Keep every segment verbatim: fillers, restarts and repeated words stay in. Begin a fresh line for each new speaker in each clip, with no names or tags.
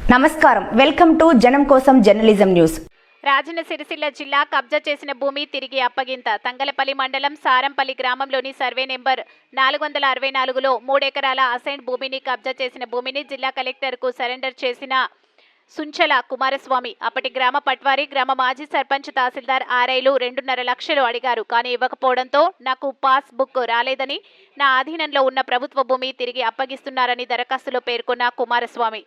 నమస్కారం, welcome to జనం కోసం జర్నలిజం న్యూస్.
రాజన్న సిరిసిల్ల జిల్లా కబ్జా చేసిన భూమి తిరిగి అప్పగింత. తంగలపల్లి మండలం సారంపల్లి గ్రామంలోని సర్వే నెంబర్ నాలుగు వందల అరవై నాలుగులో మూడెకరాల అసైన్ భూమిని కబ్జా చేసిన భూమిని జిల్లా కలెక్టర్కు సరెండర్ చేసిన సుంచల కుమారస్వామి. అప్పటి గ్రామ పట్వారి, గ్రామ మాజీ సర్పంచ్, తహసీల్దార్ ఆర్ఐలు రెండున్నర లక్షలు అడిగారు. కానీ ఇవ్వకపోవడంతో నాకు పాస్ బుక్ రాలేదని, నా ఆధీనంలో ఉన్న ప్రభుత్వ భూమి తిరిగి అప్పగిస్తున్నారని దరఖాస్తులో పేర్కొన్న కుమారస్వామి.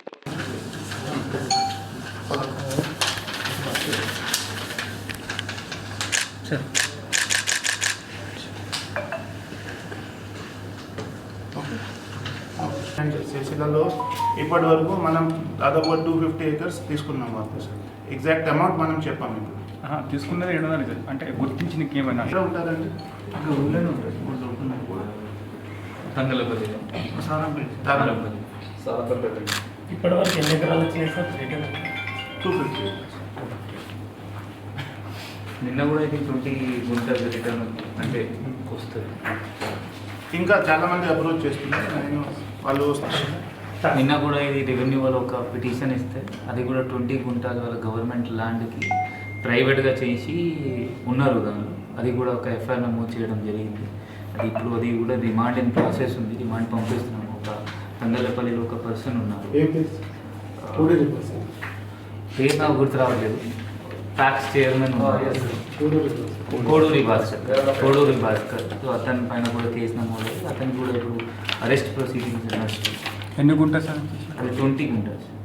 సిరిసిల్లలో ఇప్పటి వరకు మనం దాదాపు టూ ఫిఫ్టీ ఏకర్స్ తీసుకున్నాం వాళ్ళు సార్. ఎగ్జాక్ట్ అమౌంట్ మనం చెప్పాము ఇప్పుడు
తీసుకున్నది ఏడున్నర అంటే గుర్తించి ఏమైనా
ఎక్కడ ఉంటారండి?
ఊళ్ళోనే ఉంటుంది. తంగలపల్లి తారపల్లి సారపల్లి.
ఇప్పటి వరకు ఎన్ని ఎకరాలు వచ్చినాయి సార్?
టూ ఫిఫ్టీ
నిన్న కూడా అయితే ట్వంటీ గుంటలు రిటర్న్ అంటే వస్తుంది.
ఇంకా చాలా మంది అప్రోచ్ చేస్తున్నారు, నేను వాళ్ళు వస్తారు.
నిన్న కూడా ఇది రెవెన్యూ వాళ్ళు ఒక పిటిషన్ ఇస్తే అది కూడా ట్వంటీ గుంటాల వాళ్ళ గవర్నమెంట్ ల్యాండ్కి ప్రైవేట్గా చేసి ఉన్నారు దానిలో. అది కూడా ఒక ఎఫ్ఐఆర్ నమోదు చేయడం జరిగింది. అది ఇప్పుడు అది కూడా రిమాండ్ ఇన్ ప్రాసెస్ ఉంది. రిమాండ్ పంపిస్తున్నాము. ఒక తంగలపల్లిలో ఒక పర్సన్ ఉన్నారు, పేరు నాకు గుర్తు రావట్లేదు. Tax chairman Koduri Bhaskar Koduri Bhaskar so అతని పైన కూడా కేసు నమోదు. అతనికి కూడా ఇప్పుడు అరెస్ట్ ప్రొసీడింగ్స్ నడుస్తుంది.
ఎన్ని గుంటలు సార్?
అది ట్వంటీ గుంటలు.